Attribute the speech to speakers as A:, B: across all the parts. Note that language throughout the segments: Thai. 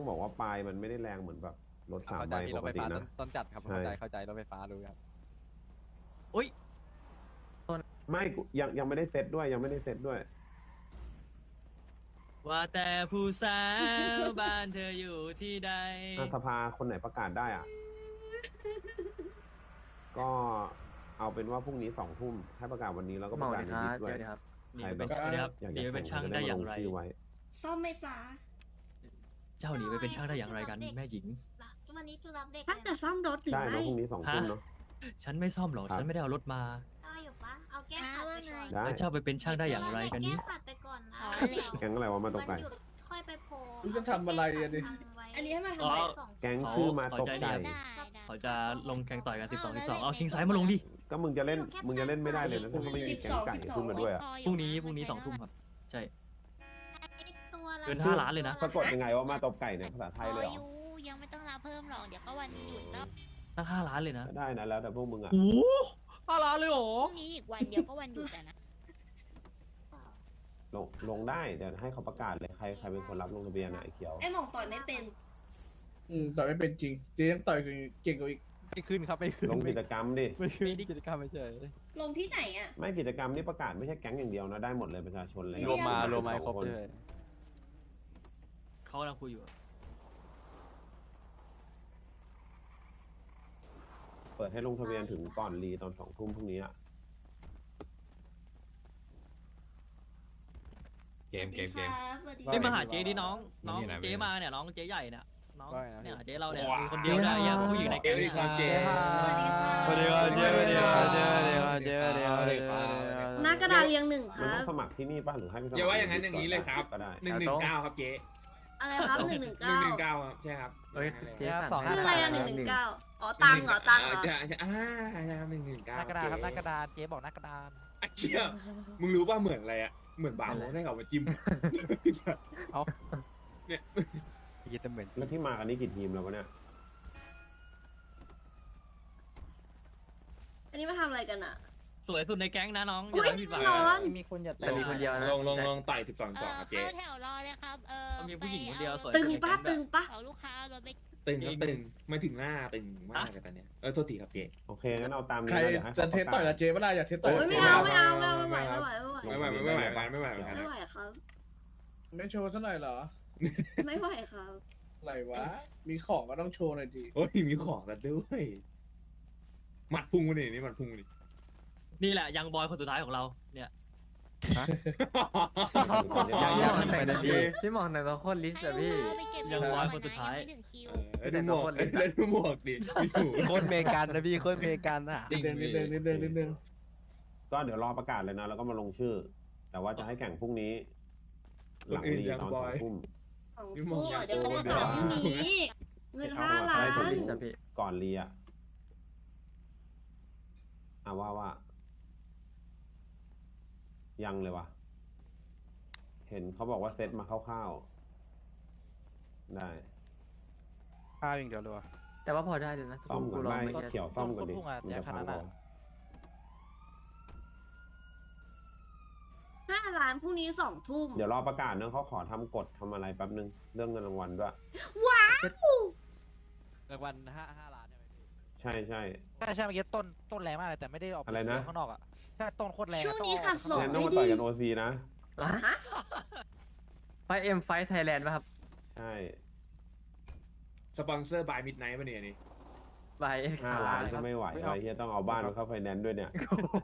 A: ต้องบอกว่าปลายมันไม่ได้แรงเหมือนแบบรถ3 ใบปกตินะ
B: ต้นจัดครับเข้าใจรถไฟฟ้ารู้ครับ
A: ไม่ยังไม่ได้เซตด้วยยังไม่ได้เซตด้วย
C: ว่าแต่ผู้สาวบ้านเธออยู่ที่ใด
A: สภาคนไหนประกาศได้อ่ะ ก็เอาเป็นว่าพรุ่งนี้2 ทุ่มให้ประกาศวันนี้แล้วก็ประกาศในดิสด้วย
C: หนีไปเป็นช่างหนีไปเป็นช่างได้อย่างไร
D: ซ่อมไหมจ๊ะ
C: เจ้าหนีไปเป็นช่างได้อย่างไรกันแม่หญิง
E: วันนี้จูรับเด็ก
D: ถ้าจะซ่อมรถหรือ
A: ใช่
D: ไม่
A: แล้วพรุ่งนี้2 ทุ่มเนาะ
C: ฉันไม่ซ่อมหรอกฉันไม่ได้เอารถมา
E: เอาอยู่ปะเอาแก้ขัดไปก่อน
A: ได้
C: แล้วเจ้าไปเป็นช่างได้อย่างไรกันนี้
E: แก้ขัดไปก่อนนะ
A: แก๊งอะไรวะมาตกไก่
E: วันหยุดค่อยไปโพล
F: รู้จะทำอะไรอ่ะดิ
D: อันนี้ให้มาทำอะไร
A: แก๊งชื่อมาตกไก่
C: เขาจะลงแข่งต่อยกัน12เอาคิงไซด์มาลงดิ
A: ก็มึงจะเล่นไม่ได้เลยนะถ้าเขาไม่มีแก๊งไก่ขึ้นมาด้วยอ่ะ
C: พรุ่งนี้2 ทุ่มครับใช่
E: ตัวละ
C: เกิน5 ล้านเลยนะ
A: สะกดยังไงว่ามาตบไก่เนี่ยภาษาไทยเลยเหรอ
E: ยังไม่ต้องรับเพิ่มหรอกเดี๋ยวก็วันหยุดแล้ว
C: ตั้ง5 ล้านเลยนะ
A: ได้นะแล้วแต่พวกมึงอ่ะ
C: โอ้5 ล้านเลยเหรอ
E: พรุ่งนี้อีกวันเดียวก็วันหยุดแล้วนะ
A: ลงได้เดี๋ยวให้เขาประกาศเลยใครเป็นคนรับลงทะเบียนไหนเขียว
D: ไอ้หมองต่อยไม่เป็น
F: ต่อยไม่เป็นจริงเจ๊ยังต่อยเก่งกว่าอีก
B: ไม่ขึ้นครับไม่ขึ้น
A: ลงกิจกรรมดิ
B: ไม่ขึ้นกิจกรรมไม่เฉย
D: ลงที่ไหนอ่ะ
A: ไม่กิจกรรมนี่ประกาศไม่ใช่แก๊งอย่างเดียวนะได้หมดเลยประชาชนเลย
D: รวมมา
B: ครบเลย
C: เขากำลังคุยอยู่
A: เปิดให้ลงทะเบียนถึงก่อนรีตอน2 ทุ่มพรุ่งนี้อ่ะ
D: เกม
C: เฮ้ยมาหาเจ๊ดิน้องเจ๊มาเนี่ยน้องเจ๊ใหญ่เนี่ยน้องเนี่ยเจ๊เราเนี่ยมีคนเดียวได้ยังผู้หญิงในแก๊งเนี่ย
D: สวัสดีค่ะ
B: สวัสดีครับเจ๊สวัสดีครับเจ๊สวัสดีครับเจ๊สวัสดีครับ
D: หน้ากระดาษเรียง1ค
A: มัน
D: รั
A: ต้อบ งสมัครที่นี่ป่ะหรือให้ไปสมัคร
G: อย่าว่าอย่างนั้นอย่างนี้เลยครับ
A: ก็ได้
G: 119ครับเจ๊
D: อะไรครับ119
G: 119ครับใช่ครับ
B: เจ๊สอง
D: คืออะไรอ่ะ119อ๋อตังค์เหรอตังค์เหรอ
G: ใช่ใช่ใช่ครับ119
B: หน้ากระดาษครับหน้ากระดาษเจ๊บอกหน้ากระดาษ
G: ไอ้เชี่ยมึงรู้ป่ะเหมือนอะไรอ่ะเหมือนบาร์โฮสให้เขามาจิ้ม
B: เอา
G: เนี่ย
B: ยี่ตเหมือน
A: แล้วที่มากันนี้กี่ทีมแล้ววะเนี่ย
D: อันนี้มาทำอะไรกันอ่ะ
C: สวยสุดในแก๊งนะน้องอ
D: อุ้
C: ย่าย ผิดหวัง
D: ร้อน
B: มีคนอย่า
C: แต่มีคนเดียว
G: ลงต่อย12 ครับเจ๊
E: เข้าแถวรอเลยครับ
C: มีผู้หญิงคนเดียวสวย
D: ตึงปะตึงปะ
E: เอาลูกค้ารถไป
G: ตึงครับตึงไม่ถึงหน้าตึงมากเลยตอนเนี้ยโทษทีครับเจ๊
A: โอเคงั้นเอาตาม
F: ใคร
A: นี้นะเดี๋ยวให้
F: จะ
A: เขา
F: เทสต่อยกับเจ๊ไม่ได้อยากเทสต่อย
D: โอ้ยไม่เอาไม่ไหว
G: ไม่ไหวกัน
D: ไม่ไหวครับ
F: ไม่โชว์ซะหน่อยเหรอ
D: ไม่ไหวครับ
F: อะไรวะมีของก็ต้องโชว์หน่อยดิ
G: โอ้ยมีของกันด้วยหมัดพุ่งมาดินี่หมัดพุ่งมาดิ
C: นี่แหละยังบอยคนสุดท้ายของเราเนี่ย
B: พี่มองในตัวโคตรลิสต์อะพี่
C: ยังบอยคนสุดท้าย
G: ดูหมวกดูหมวกดิดู
B: โคตรเมกันนะพี่โคตรเมกันอะ
F: นิดนึง
A: ก็เดี๋ยวรอประกาศเลยนะแล้วก็มาลงชื่อ แต่ว่าจะให้แข่งพรุ่งนี้ หลังรีตอน2 ทุ่ม
D: เดี๋ยวเขามาถามพรุ่งนี้เงิน5 ล้าน
A: ก่อนรีอ่ะว่ายังเลยวะเห็นเขาบอกว่าเซตมาคร่าวๆได้
B: ข้าวอย่างเดียวเลยวะ
H: แต่ว่าพอได้เลยนะ
A: ซ่อมก่อนไม่เขียวซ่อมก่อนดิ
B: พุ่งอะ
A: มันจะพัง
B: แจกขนาดนั้น
A: เอา
D: 5 ล้านพรุ่งนี้2 ทุ่ม
A: เดี๋ยวรอประกาศเนอะเขาขอทำกฎทำอะไรแป๊บนึงเรื่องเงินรางวัลด้วย
D: ว้าว
B: รางวัล5 ล้านใช่ไหมพี่
A: ใช่
B: ใช่เมื่อกี้ต้นแรงมากเลยแต่ไม่ได้ออก
A: อะไรนะ
B: ข้างนอกอะใช่ต้นโคตรแรง
D: ช่วงนี้ค่ะส
A: งั้นต้องมาต่อยกันโอซีนะ
H: ไฟไทยแลนด์ป่ะครับ
A: ใช่
G: สปอนเซอร์บายมิดไนท์ป่ะเนี่ยนี่
H: ไฟเอ็กซ์
A: 5 ล้านก็ไม่ไหวอะไรเฮียต้องเอาบ้านมาเข้าไฟแนนซ์ด้วยเนี่ย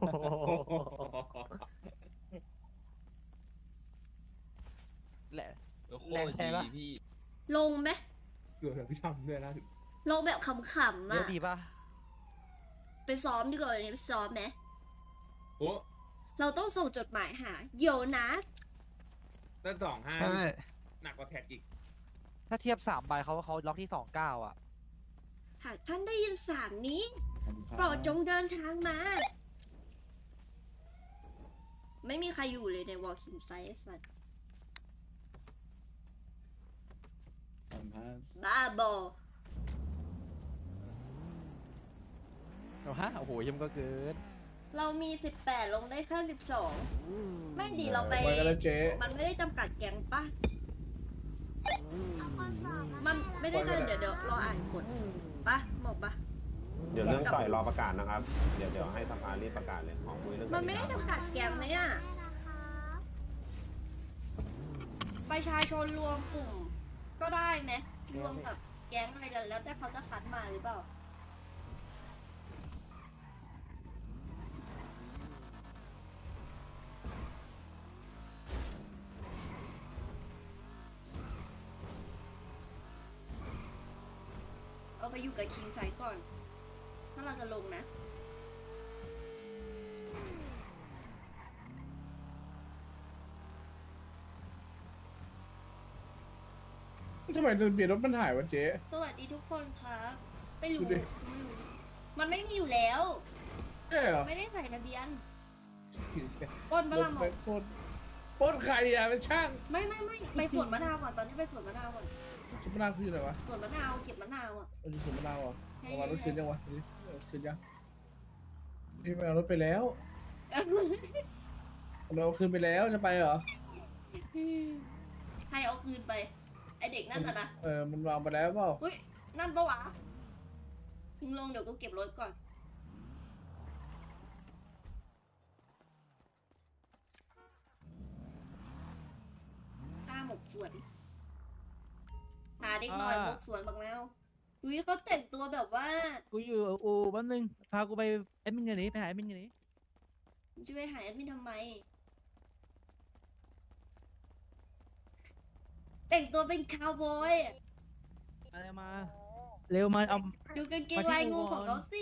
B: แหละ
H: แรงแท้ปะ
D: ลงไหม
G: เกือบพี่ทำด้วยนะ
D: ลงแบบขำๆ
B: เยอะ
D: อ่ะ
B: ดีป่ะ
D: ไปซ้อมดีกว่าวันนี้ไปซ้อมไหม
G: โอ้
D: เราต้องส่งจดหมายหาเดี๋ยวนะ
G: ตั้ง25หนักกว่าแท็กอีก
B: ถ้าเทียบ3 ใบเขาล็อกที่29อะ
D: หากท่านได้ยินสามนี้ โปรดจงเดินทางมา ไม่มีใครอยู่เลยในวอลคิงไซส์สัตว์บ้าบอ
B: โอ้โหยิ้มก็เกิน
D: เรามี18ลงได้แค่12ไม่ดีเราไป
F: ไปกันแล้วเจ๊
D: มันไม่ได้จำกัดแก๊งปะ
E: เอาคนสอบ
D: มันไม่ได้กันเดี๋ยวรออ่านกฎปะหมกปะ
A: เดี๋ยวเรื่องต่อยรอประกาศนะครับ เดี๋ยวให้สภารีบประกาศเลยขอคุยเรื่อง
D: มันไม่ได้จำกัดแกมไหมอ่ะประชาชนรวมกลุ่มก็ได้ไหมรวมกับแก๊งอะไรแล้วแต่เขาจะคัดมาหรือเปล่าเอาไปอยู่กับคิงไซก่อน ถ้าเราจะลงนะ
F: ทำไมทะเบียนรถมันหายวะเจ๊
D: สวัสดีทุกคนครับไม่รู้
F: ดูดิ
D: ไม่รู้มันไม่มีอยู่แล้ว
F: ใช่เหรอ
D: ไม่ได้ใส่ทะเบียนปล้น
F: ร
D: บะ
F: ถ
D: ละหม
F: ไป
D: ก
F: ปล้นใครอ่ะเป็นช่าง
D: ไม่ไปสวนมะนาวก่อนตอนนี้ไปสวนมะนาวก่อน
F: สุมะนาวคืออะไรวะ
D: สวนมะนาวเก็บมะนาวอ่ะ
F: เอาอยู่สุมะนาวเหรอ่ะ
D: ใช่
F: เอามารถคืนยังวะคืนยังพี่ไม่เอารถไปแล้วเราเอาคืนไปแล้วจะไปเหรอ
D: ให้เอาคืนไป ไอเด็กนั่นน่ะนะ
F: มันวางไปแล้วเปล่า
D: อุ้ยนั่นปะวะถึงลงเดี๋ยวกูเก็บรถก่อนข้าหมกสวนหาเด็กหน่อยหมกสวนบักแมวอุ้ยเขาแต่งตัวแบบว่า
C: กูอยู่อูแป๊บนึงพากูไปแอดมินกันนี้ไปหาแอดมินกันนี้
D: จะไปหาแอดมินทำไม แต่งตัวเป็นคาวบอยอะ
C: อะไรมาเร็วมาเอา
D: ดูกางเกงลายงูของเขาสิ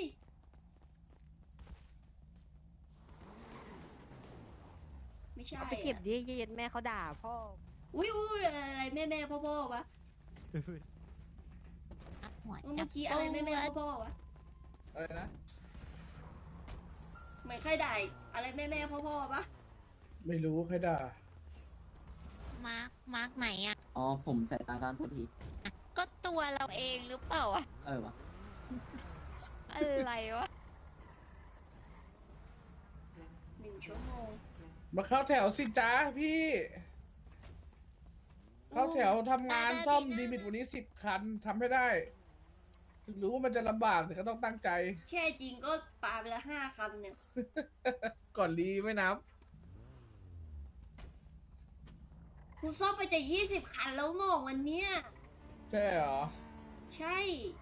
D: ไม่ใช่
I: เอาไปเก็บดิเย็นแม่เขาด่าพ่อ
D: อุ้ยอะไรแม่พ่อวะ
E: หัว
D: เมื่อกี้อะไรแม่พ่อวะ
F: อะไรนะ
D: เหมือนใครด่าอะไรแม่พ่อวะ
F: ไม่รู้ใครด่า
E: มาร์กไหนอ่ะ
H: อ๋อผมใส่ตาตอนทุกที
E: ก็ตัวเราเองหรือเปล่าอะ
H: วะ
E: อะไรวะ
D: 1 ชั่วโมง
F: มาเข้าแถวสิจ้าพี่ เข้าแถวทำงานซ่อมดีมิตวันนี้10 คันทำให้ได้ ถึงรู้ว่ามันจะลำบากแต่ก็ต้องตั้งใจ
D: แค่จริงก็ปาไปละ5 คันเนี่ย
F: ก่อนรีไม่นับ
D: กูซ่อมไปจะ20 คันแล้วหมองวันเนี้ย
F: ใช่เหรอ
D: ใช่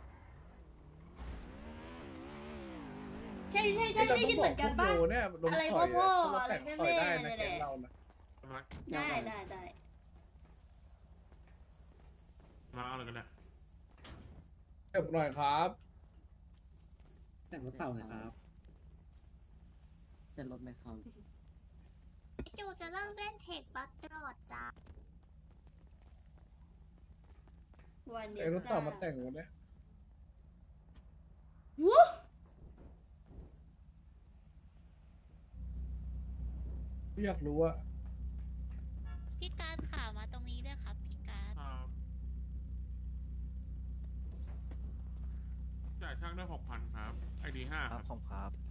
D: ได้ยินเหมือนกัน
F: พว
D: ปะ
F: โบเนี่ยลง
D: อะไร
F: ต่อย
D: พ่อ
F: เขา
D: อะไร
F: แต่ง
D: แม่
F: ต่อยได้
D: แม่
F: นะ
D: เนี่ย
F: แกงเรานะ
D: ได้
G: มาเอาอะไรกันเนี่ย
F: เก็บหน่อยครับ
H: แต่งรถเต่าหน่อยครับเส้นรถไม่เข้า
E: จูจะเลิกเล่นเทคบัคตลอดจ้า
D: วันนี้
F: ไอ้รถต่อมาแต่งวันเนี้ย
D: วู้
F: อยากรู้ว่า
E: พี่การข่าวมาตรงนี้ด้วยครับพี่การ
G: จ่ายช่างได้6,000ครับ ID 5
C: ครับผมครับ